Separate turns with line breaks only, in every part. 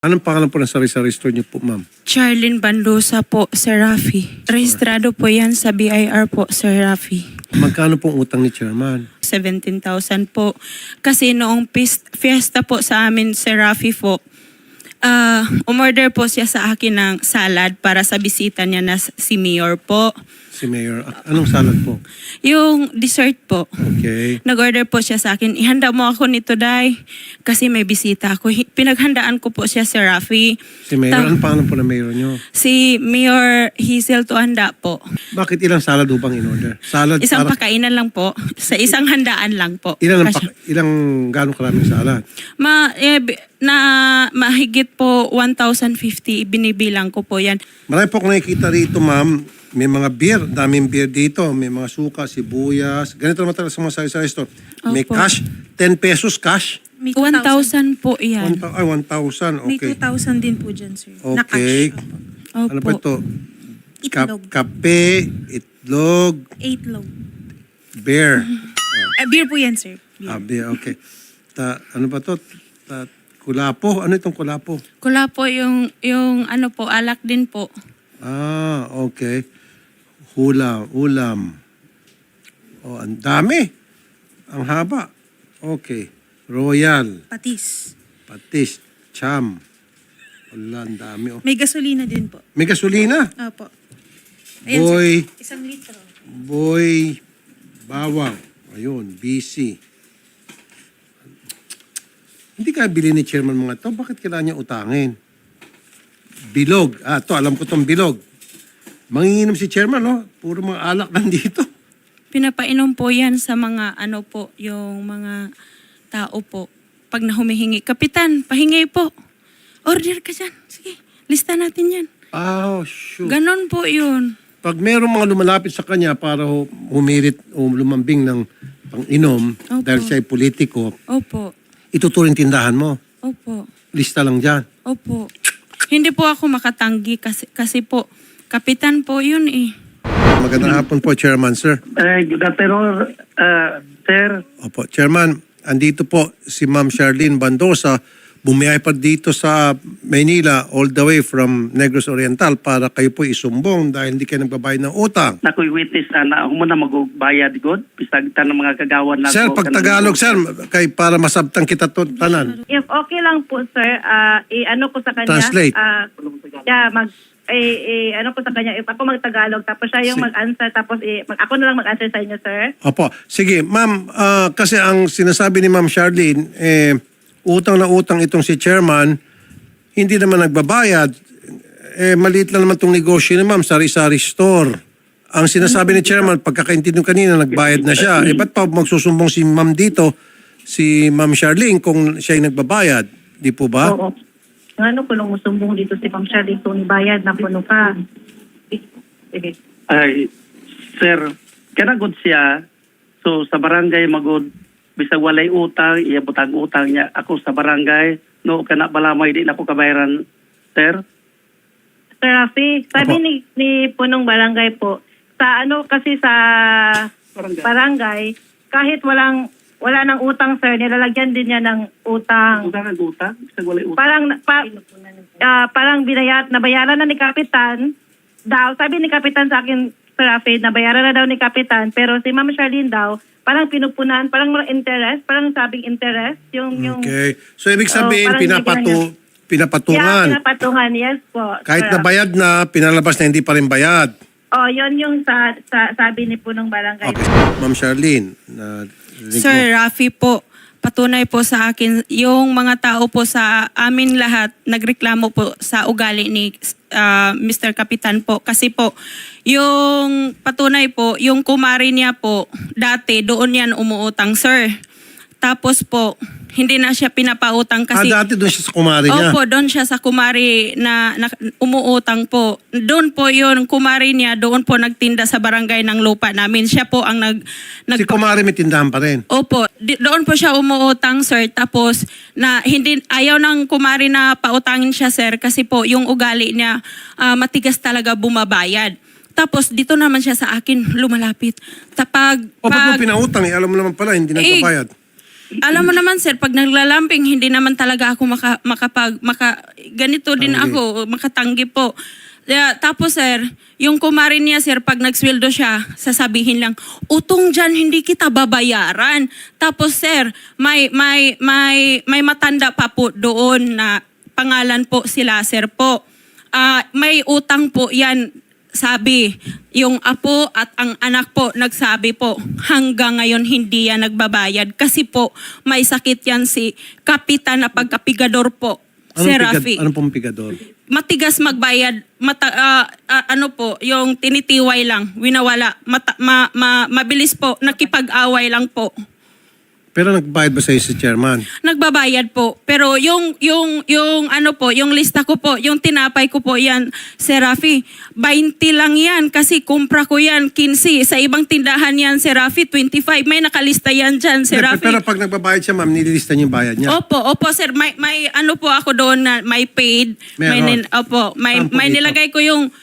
Anong pangalan po ng sari-sari store niyo po, ma'am?
Charlene Bandosa po, Sir Rafi. Rehistrado po yan sa BIR po, Sir Rafi.
Magkano pong utang ni Chairman?
17,000 po. Kasi noong fiesta po sa amin, Sir Rafi po, umorder po siya sa akin ng salad para sa bisita niya na si Mayor po.
Si Mayor. Anong salad po?
Yung dessert po.
Okay.
Nag-order po siya sa akin, ihanda mo ako nito, Day, kasi may bisita ako. Pinaghandaan ko po siya, Sir Rafi.
Si Mayor. Anong pangalan po ng Mayor niyo?
Si Mayor Hazel Tuhanda po.
Bakit ilang salad upang in-order? Salad
Isang
para...
pakainan lang po. Sa isang handaan lang po.
Gano'ng karaming salad?
Mahigit po 1,050 binibilang ko po yan.
Marami po akong nakikita rito, ma'am. May mga beer. Daming beer dito. May mga suka, sibuyas. Ganito naman talaga sa mga sari-sari store. May
Opo.
cash. 10 pesos cash.
May
1,000 po yan.
1,000.
May
Okay.
2,000 din po dyan, sir. Na
Okay.
cash.
Opo.
Ano pa ito?
Itlog.
Kape, itlog,
8 low.
beer.
Beer po yan, sir. Beer.
Beer, okay. Ano ba ito? Kulapo. Ano itong kulapo?
Kula po yung ano po, alak din po.
Okay. Ulam. Oh, ang dami. Ang haba. Okay. Royal,
Patis.
patis, cham. Wala, ang dami. Oh.
May gasolina din po.
May gasolina.
Opo. Ayan,
Boy,
sir. 1 litro.
boy, bawang. Ayun, BC. Hindi kaya bili ni Chairman mga to. Bakit kailangan niya utangin? Bilog. To alam ko tong bilog. Manginginom si Chairman, no? Puro mga alak nandito.
Pinapainom po yan sa mga ano po, yung mga tao po. Pag nahumihingi, Kapitan, pahingi po. Order ka dyan. Sige, lista natin yan.
Shoot.
Ganon po yun.
Pag merong mga lumalapit sa kanya para humirit o lumambing ng pang-inom
Opo.
dahil siya ay politiko,
Opo.
ituturing tindahan mo.
Opo.
Lista lang dyan.
Opo. Hindi po ako makatanggi kasi po, Kapitan po yun eh.
Magandang hapon po, Chairman, sir.
Good afternoon, sir.
Opo, Chairman, andito po si Ma'am Charlene Bandosa. Bumiyay pa dito sa Maynila all the way from Negros Oriental para kayo po isumbong dahil hindi kayo nagbabayad ng utang.
Nakoy witness na ako muna magbayad god bisag ng mga kagawan na
Sir,
ko.
pag Tagalog, sir, kay para masabtang kita tanan.
If okay lang po, sir, i-ano ko sa kanya.
Translate.
Ano ko sa kanya, if ako mag-Tagalog, tapos siya yung mag-answer, tapos ako na lang mag-answer sa inyo, sir.
Opo. Sige, ma'am, kasi ang sinasabi ni Ma'am Charlene, utang na utang itong si Chairman, hindi naman nagbabayad. Maliit lang naman itong negosyo ni Ma'am, sari-sari store. Ang sinasabi ni Chairman, pagkakaintindi kanina, nagbayad na siya. Ba't pa magsusumbong si Ma'am dito, si Ma'am Charlene, kung siya ay nagbabayad? Di po ba?
Oo. Ano ko lang musumbong dito si Ma'am Shirley kung bayad na puno ka. Sige.
Ay, sir, kanagod siya. So sa barangay magod bisag walay utang, iya butang utang niya ako sa barangay. No kana balamay di na ako kabayaran, sir.
Sir Rafi, sabi
Opo.
ni punong barangay po, sa ano kasi sa barangay, kahit wala nang utang, sir, nilalagyan din niya ng utang.
Utang ang utang, bisag walay utang.
Parang nabayaran na ni Kapitan daw. Sabi ni Kapitan sa akin, Sir Rafi, nabayaran na daw ni Kapitan. Pero si Ma'am Charlene daw, parang pinupunan, parang interest, parang sabing interest. Yung
Okay. So, ibig sabihin,
parang
pinapatungan.
Yeah, pinapatungan, yes po.
Kahit
Sir
na bayad na, pinalabas na hindi pa rin bayad.
Yun yung sabi ni punong barangay.
Okay. Ma'am Charlene,
Sir Rafi po, patunay po sa akin, yung mga tao po sa amin lahat, nagreklamo po sa ugali ni Mr. Kapitan po. Kasi po, yung patunay po, yung kumari niya po, dati doon yan umuutang, sir. Tapos po, hindi na siya pinapautang kasi...
dati doon siya sa kumari niya.
Opo, doon siya sa kumari na umuutang po. Doon po yun, kumari niya, doon po nagtinda sa barangay ng lupa namin. Siya po ang
Si kumari may tindahan pa rin.
Opo, doon po siya umuutang, sir. Tapos ayaw ng kumari na pautangin siya, sir, kasi po yung ugali niya matigas talaga bumabayad. Tapos dito naman siya sa akin lumalapit.
Ba't mo pinautang? Alam mo naman pala, hindi nagbabayad.
Alam mo naman sir, pag naglalamping, hindi naman talaga ako ganito din
Tanggi.
ako, makatanggi po. Tapos sir, yung kumarin niya sir, pag nagsweldo siya, sasabihin lang, utong dyan, hindi kita babayaran. Tapos sir, may matanda pa po doon na pangalan po sila sir po. May utang po yan. Sabi, yung apo at ang anak po nagsabi po, hanggang ngayon hindi yan nagbabayad kasi po may sakit yan si Kapitan na pagkapigador po, Sir Rafi.
Anong pong pigador?
Matigas magbayad, ano po, yung tinitiway lang, winawala, mabilis po, nakipag-away lang po.
Pero nagbayad ba sa'yo si chairman?
Nagbabayad po. Pero yung ano po, yung lista ko po, yung tinapay ko po yan, Sir Rafi, 20 lang yan kasi kumpra ko yan, 15. Sa ibang tindahan yan, Sir Rafi, 25. May nakalista yan dyan, Sir Rafi.
Pero pag nagbabayad siya, ma'am, nililista niyo yung bayad niya.
Opo, sir. May ano po ako doon na may paid.
Meron.
May
Saan po dito?
nilagay ko yung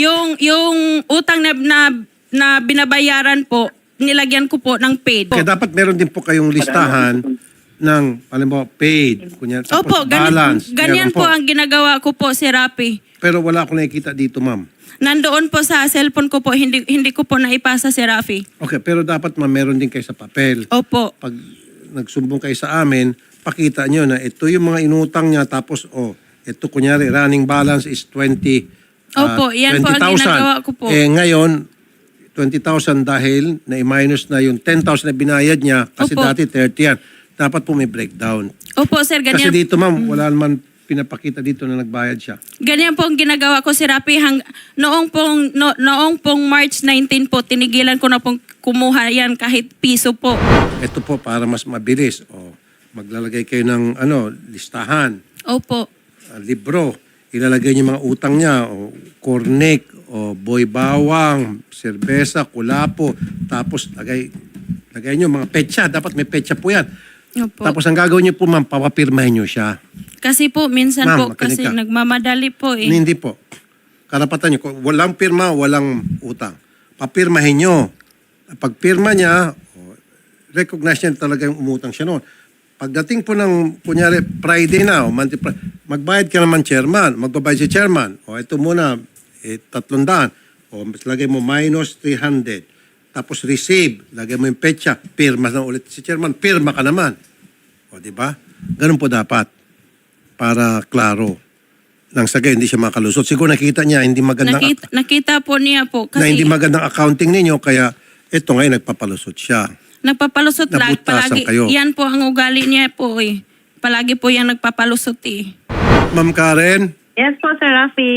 utang na binabayaran po, nilagyan ko po ng paid.
Kaya dapat meron din po kayong listahan ng, alam mo, paid. Kunya, tapos
Opo,
balance.
ganyan
Meron
po ang ginagawa ko po, Sir Rafi.
Pero wala akong nakikita dito, ma'am.
Nandoon po sa cellphone ko po, hindi ko po naipasa, Sir Rafi.
Okay, pero dapat ma'am, meron din kayo sa papel.
Opo.
Pag nagsumbong kayo sa amin, pakita nyo na ito yung mga inutang niya, tapos, ito kunyari, running balance is 20,000.
Opo, yan po ang ginagawa ko po.
Ngayon, 20,000 dahil na-minus na yung 10,000 na binayad niya, kasi
Opo.
dati 30 yan. Dapat po may breakdown.
Opo, Sir,
Kasi
ganyan.
dito ma'am, wala naman pinapakita dito na nagbayad siya.
Ganyan po ang ginagawa ko, Sir Rafi. Noong pong March 19 po, tinigilan ko na pong kumuha yan kahit piso po.
Ito po para mas mabilis. Maglalagay kayo ng listahan,
Opo.
libro. Ilalagay niyo mga utang niya, cornic, boy bawang, serbesa, kulapo. Tapos lagay niyo mga petsa. Dapat may petsa po yan.
Opo.
Tapos ang gagawin niyo po ma'am, papapirmahin niyo siya.
Kasi po, minsan
Ma'am,
po,
makinig
kasi
ka.
nagmamadali po eh.
Hindi po. Karapatan niyo. Kung walang pirma, walang utang. Papirmahin niyo. Pag pirma niya, recognize niya talaga yung umutang siya noon. Pagdating po ng, kunyari, Friday na, magbayad ka naman, chairman. Magbabayad si chairman. Ito muna, 300. Lagay mo minus 300. Tapos receive, lagay mo yung petsa. Pirma na ulit si chairman. Pirma ka naman. Di ba? Ganun po dapat. Para klaro. Nang sagay, hindi siya makalusot. Siguro nakita niya, hindi magandang
Nakita po niya po.
na
Kasi
hindi magandang accounting ninyo, kaya ito ngayon nagpapalusot siya.
nagpapalusot lang.
Nabutasan
Palagi,
kayo.
yan po ang ugali niya po eh. Palagi po yan nagpapalusot eh.
Ma'am Karen,
Yes po, Sir Rafi.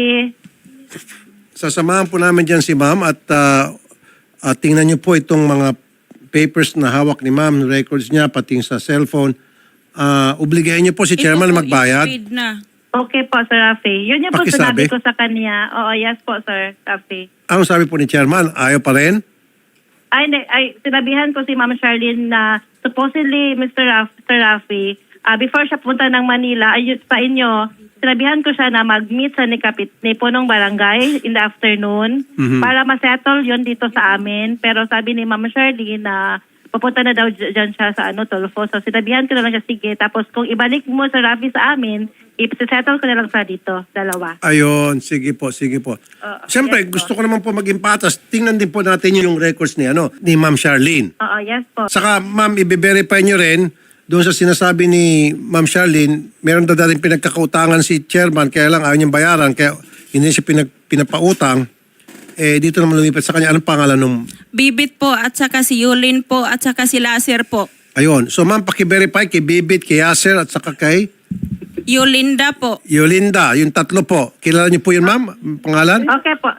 sasamahan po namin dyan si ma'am at tingnan niyo po itong mga papers na hawak ni ma'am, records niya, pati sa cellphone. Obligahin niyo po si chairman
Ito
na
po,
magbayad.
i-speed na.
Okay po, Sir Rafi. Yun yung po
Pakisabi.
sinabi ko sa kanya. Oo, yes po, Sir Rafi.
Ang sabi po ni chairman, ayaw pa rin?
Sinabihan ko si Ma'am Charlene na supposedly, Sir Rafi, before siya punta ng Manila, sa inyo, sinabihan ko siya na mag-meet sa ni punong barangay in the afternoon para ma-settle yun dito sa amin. Pero sabi ni Ma'am Charlene na papunta na daw dyan siya sa Tulfo. So sinabihan ko na lang siya, sige. Tapos kung ibalik mo Sir Rafi sa amin, i-settle ko na lang sa dito, dalawa.
Ayun, sige po, sige po. Siyempre,
yes po.
gusto ko naman po maging patas. Tingnan din po natin yung records ni Ma'am Charlene.
Oo, yes po.
Saka, ma'am, i-verify nyo rin, doon sa sinasabi ni Ma'am Charlene, meron daw dating pinagkakautangan si chairman, kaya lang ayaw niyang bayaran, kaya hindi siya pinapautang. Dito naman lumipat sa kanya, anong pangalan nung...
Bibit po at saka si Yulin po at saka si Laser po.
Ayun. So, ma'am, paki-verify kay Bibit, kay Yasser, at saka kay
Yolinda po.
Yolinda. Yung tatlo po. Kilala niyo po yun, ma'am? Ang pangalan?
Okay po.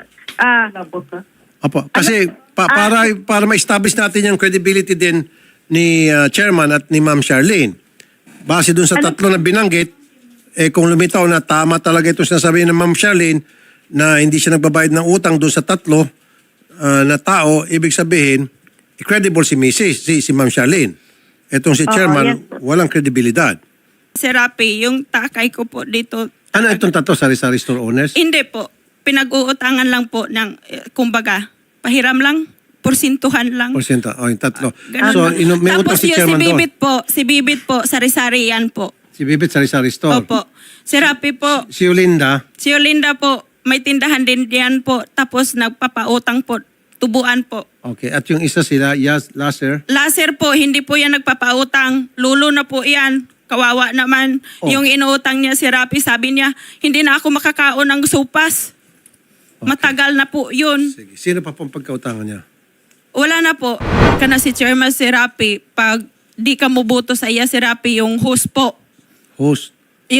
Opo. Kasi para ma-establish natin yung credibility din ni chairman at ni Ma'am Charlene. Base dun sa tatlo na binanggit, kung lumitaw na tama talaga ito sinasabi ng Ma'am Charlene na hindi siya nagbabayad ng utang dun sa tatlo na tao, ibig sabihin, credible si si Ma'am Charlene. Itong si chairman,
yes.
walang kredibilidad.
Sir Rafi, yung takay ko po dito.
Ano itong tatlo, sari-sari store owners?
Hindi po. Pinag-uutangan lang po ng, kumbaga, pahiram lang. porsintuhan lang.
Porsyento. O, yung tatlo.
Ganun
So,
lang.
may utang
Tapos
si
yung
chairman doon.
si Bibit po, sari-sari yan po.
Si Bibit, sari-sari store.
Opo. Si Rafi po,
Si Yolinda,
si Olinda po, may tindahan din yan po. Tapos nagpapautang po, tubuan po.
okay. At yung isa sila, Laser.
Laser po, hindi po yan nagpapautang. Lulo na po yan. Kawawa naman.
Oh.
Yung inuutang niya si Rafi, sabi niya, hindi na ako makakaon ng supas. Matagal na po yun.
Sige. Sino pa pong pagkautangan niya?
Wala na po. Kana si Chairman si Rafi, pag di ka mubuto sa iya si Rafi, yung host po.
Host.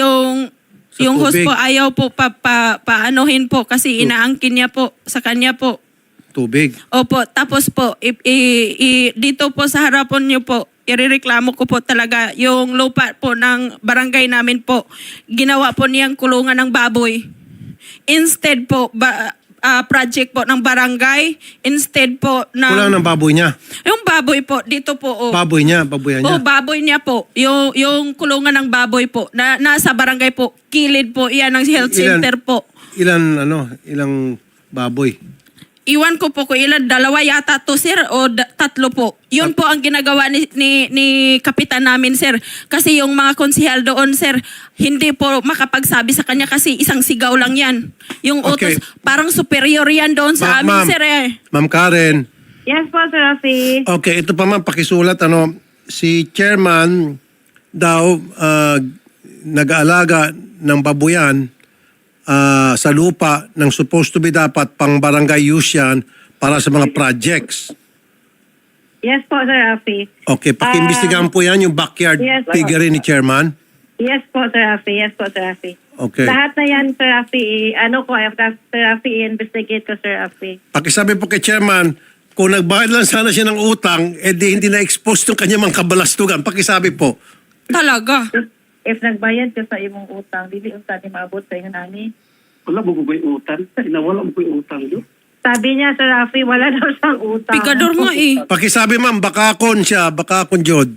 Sa
Yung host
tubig.
po, ayaw po paanohin po kasi inaangkin niya po sa kanya po.
Tubig.
Opo, tapos po, dito po sa harapan niyo po, irereklamo ko po talaga yung lupa po ng barangay namin po. Ginawa po niyang kulungan ng baboy. Instead po, project po ng barangay. Instead po ng...
Kulang ng baboy niya.
Yung baboy po, dito po. Oh.
Baboy niya, baboyan niya.
Oh, baboy niya po. Yung kulungan ng baboy po. Nasa barangay po. Kilid po. Iyan ang health center po.
Ilang baboy?
Iwan ko po kung ilan, 2 yata to sir o 3 po. Yun po ang ginagawa ni kapitan namin sir. Kasi yung mga konsihal doon sir, hindi po makapagsabi sa kanya kasi isang sigaw lang yan. Yung
Okay.
utos, parang superior yan doon sa amin
Ma'am,
sir eh.
Ma'am Karen.
Yes po, Sir Rafi.
Okay, ito pa ma'am, pakisulat. Si chairman daw nag-aalaga ng babuyan sa lupa ng supposed to be dapat pang barangay use yan para sa mga projects.
Yes po, Sir Rafi.
Okay, pakiimbestigahan po yan yung backyard
Yes.
piggery ni chairman.
Yes po, Sir Rafi. Yes po, Sir Rafi.
Okay.
Lahat na yan, Sir Rafi, Sir Rafi, i-investigate ko, Sir Rafi.
Pakisabi po kay chairman, kung nagbayad lang sana siya ng utang, di hindi na-expose yung kanyang mga kabalastugan. Pakisabi po.
Talaga.
If nagbayad ka sa imong utang, dili unta ni maabot sa inyo nani.
Wala mo ko yung utang. Wala mo ko yung utang yun.
Sabi niya, Sir Rafi, wala daw siyang utang.
Pikador nga eh.
Pakisabi ma'am, bakakon siya, bakakon Jod.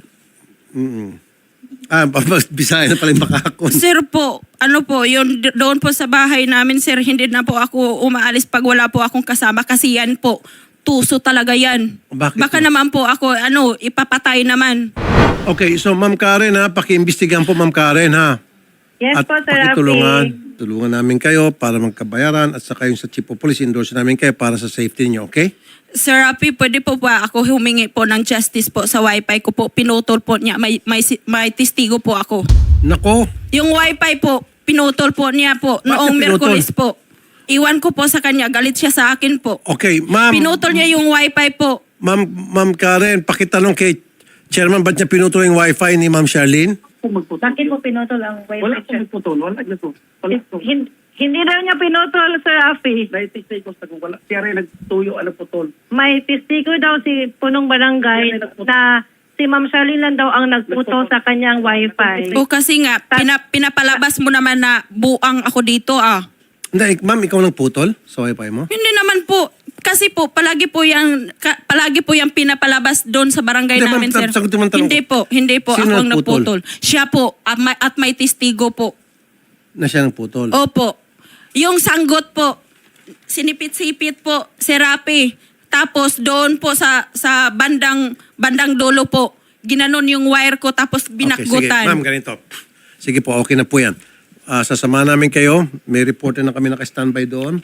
Bisaya na pala yung bakakon.
Sir po, doon po sa bahay namin sir, hindi na po ako umaalis pag wala po akong kasama kasi yan po, tuso talaga yan.
Bakit
Baka
po?
naman po ako, ipapatay naman.
Okay, so ma'am Karen ha, pakiimbestigahan po ma'am Karen ha.
Yes
At
po, Sir Rafi.
tulungan namin kayo para magkabayaran at saka yung sa Chief of Police, endorse namin kayo para sa safety niyo, okay?
Sir Rafi, pwede po ba ako humingi po ng justice po sa wifi ko po, pinutol po niya, may testigo po ako.
Nako,
Yung wifi po, pinutol po niya po, noong
pinutol?
Miyerkules po. Iwan ko po sa kanya, galit siya sa akin po.
okay, ma'am.
Pinutol niya yung wifi po.
Ma'am Karen, pakitanong kay Chairman, ba't niya pinutol yung wifi ni Ma'am Charlene?
Kung magputol.
Bakit mo pinutol ang
Wala
wifi
akong magputol. Wala na to. Wala to.
Hindi daw niya pinutol, Sir Rafi.
Naitisay ko sa kung wala. Siya rin nagtuyo ang putol.
May testigo daw si punong barangay na si Ma'am Charlene lang daw ang nagputo sa kanyang wifi.
O kasi nga, pinapalabas mo naman na buang ako dito ah.
Hindi, ma'am, ikaw nang putol sa wifi mo?
Hindi naman po. Kasi po, palagi po yung pinapalabas doon sa barangay
Hindi,
namin,
ma'am,
sir.
sagutin mo ang tanong
Hindi po.
Sino
Ako ang
nagputol?
nagputol. Siya po, at may testigo po.
Na siya nang putol.
Opo. Yung sanggot po, sinipit-sipit po, si Rafi. Tapos doon po sa bandang dulo po, ginanon yung wire ko tapos
Okay, sige.
binakgutan.
Ma'am, ganito. Sige po, okay na po yan. Sasama namin kayo. May reporter na kami naka-standby doon.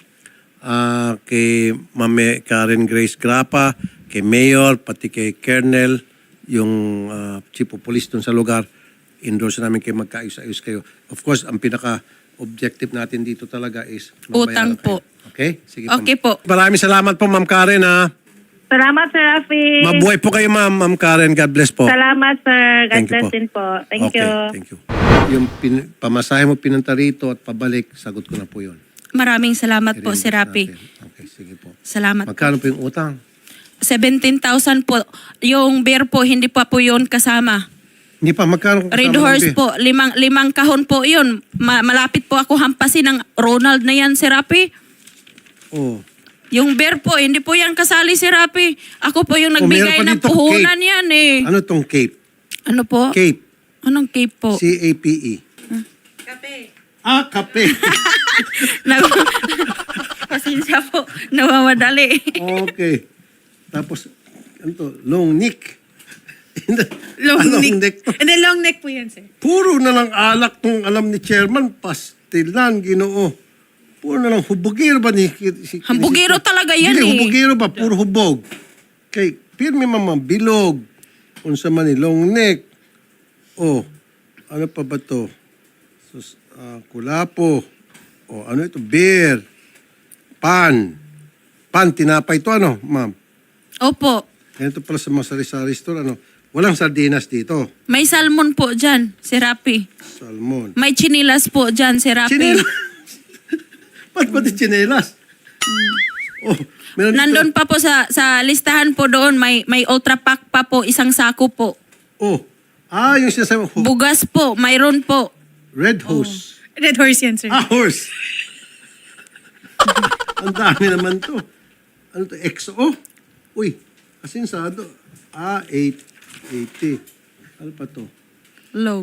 Kay Ma'am Karen Grace Grapa, kay Mayor, pati kay Colonel, yung Chief of Police doon sa lugar. Endorse namin kayo, magkaayos-ayos kayo. Of course, ang pinaka-objective natin dito talaga is
Utang
mabayaran kayo.
po.
Okay? Sige
Okay po.
Maraming salamat po, Ma'am Karen.
Salamat, Sir Rafi.
Mabuhay po kayo, Ma'am Karen. God bless po.
Salamat, Sir. God
Thank you
bless
po.
din po. Thank you.
Thank you. Yung pamasahe mo pinunta rito at pabalik, sagot ko na po yun.
Maraming salamat po,
I-reimburse
si Rafi.
natin. Okay, sige po.
Salamat.
Magkano po yung utang?
17,000 po. Yung beer po, hindi pa po yun kasama.
Hindi pa, magkano kung
Red
kasama ng
Horse
beer?
po, limang kahon po yun. Malapit po ako hampasin ng Ronald na yan, si Rafi.
Oh.
Yung beer po, hindi po yan kasali si Rafi. Ako po yung
Oh, meron
nagbigay
pa
ng
dito,
puhunan
Cape.
yan eh.
Ano tong Cape?
Ano po?
Cape.
Anong cape po?
C-A-P-E.
Kape.
Kape.
Pasensya po, nawawadali.
Okay. Tapos, ano to? Long neck.
Long
Long
neck.
to.
And then long neck po yan, sir.
Puro na lang alak tong alam ni chairman, pastilan, Ginoo. Puro na lang hubogero ba ni...
Hambugero talaga yan
Hindi,
eh.
hubogero ba? Puro hubog. Kay, pirmi mama, bilog. Unsa man ni long neck. Oh, ano pa ba to? Sus, kulapo. Oh, ano ito? Beer. Pan. Pan, tinapay to ano, ma'am?
Opo.
Ganito pala sa mga sari-sari store, ano? Walang sardinas dito.
May salmon po dyan, si Rapi.
Salmon.
May chinilas po dyan, si Rapi.
Chinelas. Ba't pati chinelas? Oh, meron dito.
Nandun pa po sa listahan po doon, may ultra pack pa po, isang sako po.
Oh. Yung sinasabi mo.
Bugas po, mayroon po.
Red hose.
Red horse yan, sir.
Horse. Ang dami naman to. Ano to? XO? Uy, asinsado. 880. Ano pa to?
Log.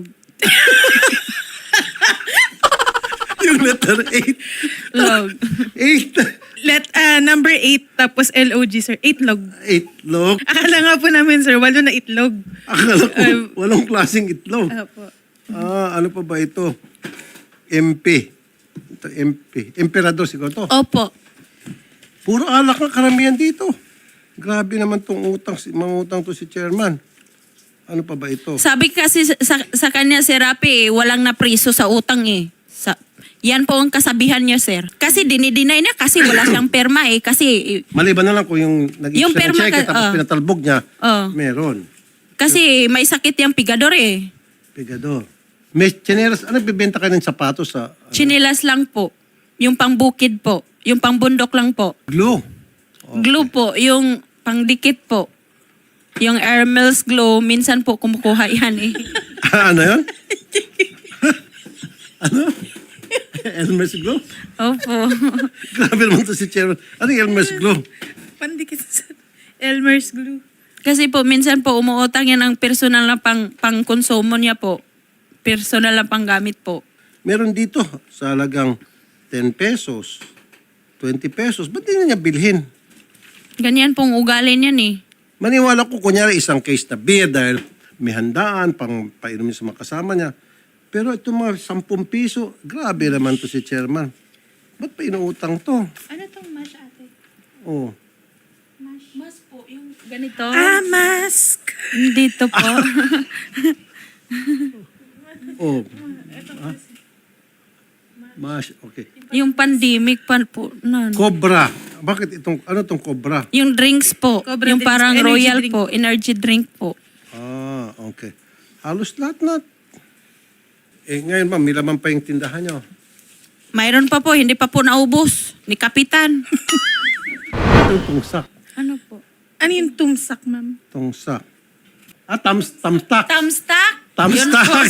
Yung letter 8.
Log.
8.
Number 8, tapos LOG, sir. 8 log.
8 log.
Akala nga po namin, sir, 8 na itlog.
Akala ko, walang klaseng itlog.
Opo.
Ano pa ba ito? MP. Ito, MP. Emperador siguro to.
Opo.
Puro alak na karamihan dito. Grabe naman tong utang, mga utang to si chairman. Ano pa ba ito?
Sabi kasi sa kanya, si Rapi, walang napriso sa utang eh. Yan po ang kasabihan niya, sir. Kasi dinideny niya kasi wala siyang perma eh. Kasi
Maliban na lang kung yung nag-issue
Yung
siya ng
perma
cheque
ka-
tapos pinatalbog niya, meron.
Kasi may sakit yung pigador eh.
Pigador. May chinelas, ano bibenta ka ng sapatos sa
Chinilas lang po. Yung pangbukid po. Yung pangbundok lang po.
glue?
Glue po. Yung pangdikit po. Yung Hermes glue, minsan po kumukuha yan eh.
Ano yun? Ano? Elmer's glue?
Opo.
Grabe naman to si chairman. Ano yung Elmer's glue?
Pandikit sa Elmer's glue.
Kasi po, minsan po umuutang yan ang personal na pang-konsumo niya po. Personal na panggamit po.
Meron dito sa halagang 10 pesos, 20 pesos. Ba't di na niya bilhin?
Ganyan pong ugali niyan eh.
Maniwala ko, kunyari isang case na beer dahil may handaan, pang painumin sa mga kasama niya. Pero ito mga 10 piso, grabe naman to si chairman. Ba't pa inuutang to?
Ano tong mash, ate?
Oh.
Mas po, yung ganito.
Mask!
Dito po.
Oh. Mash, okay.
Yung pandemic pa po. Nun.
Cobra. Bakit itong, ano tong cobra?
Yung drinks po.
Cobra
yung
drinks,
parang
energy
royal
drink.
po. Energy drink po.
Okay. Halos lahat na. Ngayon ma'am, may laman pa yung tindahan niyo.
Mayroon pa po. Hindi pa po naubos. Ni Kapitan.
Itong tungsak.
Ano po?
Ano yung tumsak, ma'am?
Tungsak. Tamstax.
Thumbstack? Yun
Tamstax.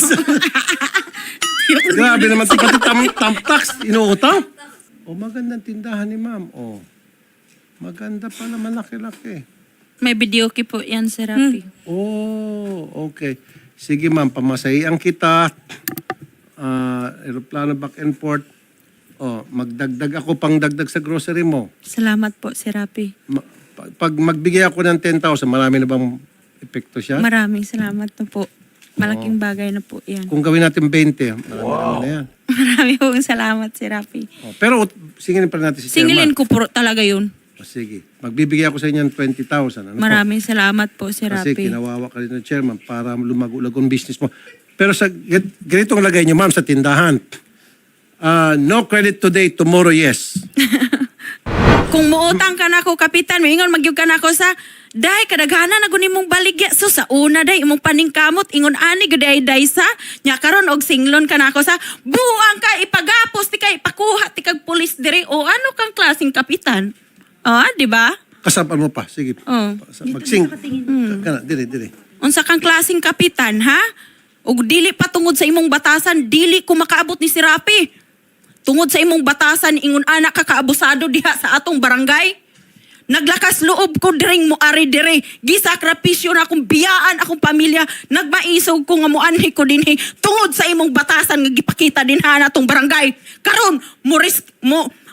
Grabe naman ito. Pati tamtax. Inuutang. Magandang tindahan ni ma'am. Maganda pala, malaki-laki.
May videoke po yan, Sir Rafi.
Okay. Sige ma'am, pamasahian kita. Aeroplano back and forth. Magdagdag ako pang dagdag sa grocery mo.
Salamat po, Sir Rafi.
Pag magbigay ako ng 10,000, marami na bang epekto siya?
Maraming salamat na po. Malaking bagay na po yan.
Kung gawin natin 20, marami na yan.
Maraming pong salamat, Sir Rafi.
Pero singilin pa natin si
Singilin
chairman.
ko po talaga yun.
Sige. Magbibigay ako sa inyo ng 20,000. Ano po?
Maraming salamat po, Sir
Kasi
Rafi.
kinawawa ka rin ng chairman para lumago-lago ang business mo. Pero sa ganitong lagay niyo, ma'am, sa tindahan. No credit today, tomorrow, yes.
Kung muutang ka na ako, Kapitan, ingon magyug ka na ako sa, day, kadaghanan na gunin mong baligya. So sa una, day, imong paningkamot, ingon ani, gaday, day sa, nya karon og singlon ka na ako sa, buang ka, ipagapos, ti ka, ipakuha, ti kag pulis dire, o ano kang klaseng Kapitan? Di ba?
Kasapan mo pa. Sige.
Oh.
Magsing. Kana, dire.
Unsa kang klaseng Kapitan, ha? Og dili pa tungod sa imong batasan, dili ko makaabot ni si Rapi. Tungod sa imong batasan, ingon anak ka kaabusado diha sa atong barangay. Naglakas loob ko diring mo ari dire. Gisakripisyo na akong biyaan akong pamilya. Nagmaisog ko nga muanhi ko dinhi tungod sa imong batasan nga gipakita din ha natong barangay. Karon mo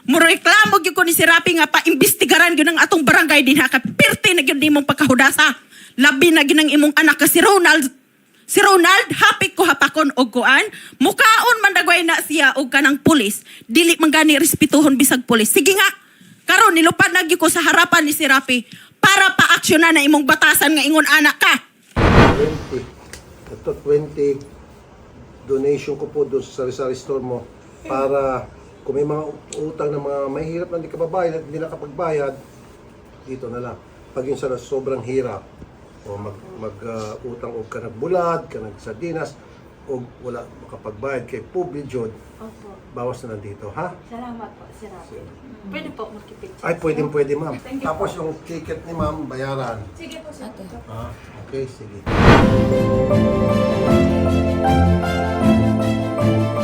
Mureklamo gyud ko ni si Rapi nga paimbestigaran gyud ang atong barangay din ha. Kapirti na gyud nimong pagkahudasa. Labi na gyud ang imong anak ka si Ronald. Si Ronald, hapik ko hapakon og kuan. Mukaon man dagway na siya og kanang pulis. Dili man gani respetuhon bisag pulis. Sige nga. Karon nilupad na gyud ko sa harapan ni si Rapi para paaksyonan na imong batasan nga ingon anak ka.
20. Ito 20 donation ko po doon sa sari-sari store mo para kung may mga utang ng mga mahirap na hindi ka babayad at hindi nakapagbayad, dito na lang. Pag yung sana sobrang hirap, o utang o ka nagbulad, ka nagsardinas, o wala makapagbayad kay Publijod, bawas na nandito, ha?
Salamat po, Sir Rafi. Pwede po makipicture.
Ay, pwede ma'am. Tapos yung ticket ni ma'am, bayaran.
Sige po, Sir.
Ah, okay, sige.